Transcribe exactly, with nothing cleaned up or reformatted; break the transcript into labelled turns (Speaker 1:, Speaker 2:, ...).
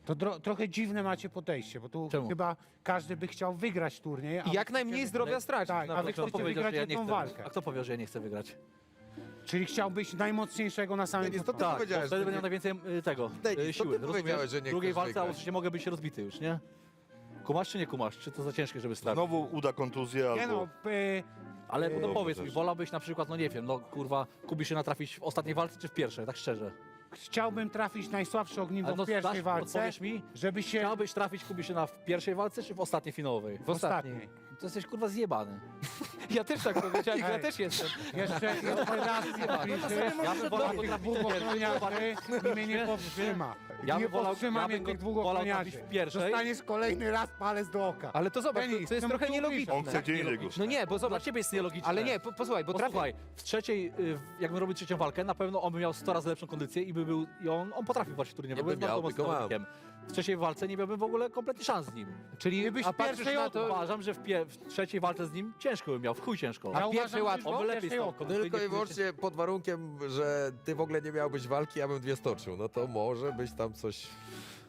Speaker 1: To dro- trochę dziwne macie podejście, bo tu
Speaker 2: Czemu?
Speaker 1: chyba każdy by chciał wygrać turniej. a
Speaker 3: I jak
Speaker 1: wy
Speaker 3: najmniej
Speaker 1: chcecie-
Speaker 3: zdrowia stracić.
Speaker 1: Tak,
Speaker 3: na
Speaker 1: a wy
Speaker 3: przykład.
Speaker 2: Kto
Speaker 1: chcecie
Speaker 2: powiedział,
Speaker 1: wygrać
Speaker 2: że ja nie
Speaker 1: jedną
Speaker 2: chcę
Speaker 1: walkę.
Speaker 2: A kto powiedział, że ja nie chcę wygrać?
Speaker 1: Czyli chciałbyś najmocniejszego na samym
Speaker 4: Nie, nie, to ty
Speaker 1: początku.
Speaker 2: Tak, bo
Speaker 4: powiedziałeś,
Speaker 2: wtedy
Speaker 4: że
Speaker 2: będę
Speaker 4: nie-
Speaker 2: miał najwięcej y, tego,
Speaker 4: Denis,
Speaker 2: y,
Speaker 4: to
Speaker 2: siły.
Speaker 4: ty
Speaker 2: rozumiesz?
Speaker 4: powiedziałeś, że nie
Speaker 2: W drugiej
Speaker 4: chcesz
Speaker 2: walce
Speaker 4: wygrać.
Speaker 2: oczywiście mogę być rozbity już, nie? Kumasz czy nie kumasz? Czy to za ciężkie, żeby stracić?
Speaker 5: Znowu uda kontuzję
Speaker 1: Nie
Speaker 5: albo...
Speaker 1: no, p-
Speaker 2: Ale no
Speaker 5: Dobrze
Speaker 2: powiedz mi,
Speaker 5: też.
Speaker 2: wolałbyś na przykład, no nie wiem, no kurwa, Kubi się natrafić w ostatniej walce czy w pierwszej, tak szczerze?
Speaker 1: chciałbym trafić najsłabsze ogniwo
Speaker 2: Ale no
Speaker 1: w pierwszej
Speaker 2: dasz-
Speaker 1: walce,
Speaker 2: odpowiesz mi?
Speaker 1: żeby się
Speaker 2: Chciałbyś trafić Kubi się na w pierwszej walce czy w ostatniej finałowej?
Speaker 3: W ostatniej.
Speaker 2: To jesteś kurwa zjebany.
Speaker 3: Ja też tak powiedziałem, ja
Speaker 1: Ej.
Speaker 3: też jestem.
Speaker 1: Jeszcze jeszcze raz nie bliżej.
Speaker 2: Ja bym wolał go
Speaker 1: Tych
Speaker 2: trafić
Speaker 1: dwóch
Speaker 2: w pierwszej.
Speaker 1: ochroniarzy mnie nie powstrzyma.
Speaker 2: Ja
Speaker 1: nie
Speaker 2: bym wolał-
Speaker 1: powstrzyma
Speaker 2: ja
Speaker 1: mnie
Speaker 2: bym go
Speaker 1: tych dwóch
Speaker 2: wolał
Speaker 1: ochroniarzy.
Speaker 2: trafić w pierwszej.
Speaker 1: Dostaniesz kolejny raz palec do oka.
Speaker 3: Ale to zobacz, to,
Speaker 1: Denis,
Speaker 3: to jest
Speaker 1: co
Speaker 3: trochę
Speaker 1: tu
Speaker 3: nielogiczne.
Speaker 5: On chce gdzie indziej go.
Speaker 3: No nie, bo
Speaker 2: Dla
Speaker 3: zobacz,
Speaker 2: ciebie jest nielogiczne.
Speaker 3: ale nie, po, posłuchaj, bo trafię...
Speaker 2: Posłuchaj, w trzeciej, y, jakbym robił trzecią walkę, na pewno on by miał sto razy lepszą kondycję i by był, i on, on potrafił walczyć w turnieju.
Speaker 4: Nie
Speaker 2: bo jest
Speaker 4: by miał,
Speaker 2: bardzo
Speaker 4: tylko
Speaker 2: mocnym
Speaker 4: mam.
Speaker 2: zawodnikiem. W trzeciej walce nie miałbym w ogóle kompletnie szans z nim.
Speaker 3: Czyli
Speaker 1: Gdybyś
Speaker 3: a patrzysz
Speaker 1: pierwszej
Speaker 3: na to...
Speaker 2: Uważam, że w, pie- w trzeciej walce z nim ciężko bym miał, w chuj ciężko.
Speaker 3: A
Speaker 1: Ja
Speaker 3: w pierwszej
Speaker 1: uważam, że
Speaker 3: łatwo?
Speaker 2: On by lepiej
Speaker 1: pierwszej
Speaker 2: stał.
Speaker 1: oko.
Speaker 4: Tylko i wyłącznie pod warunkiem, że ty w ogóle nie miałbyś walki, ja bym dwie stoczył. No to może być tam coś...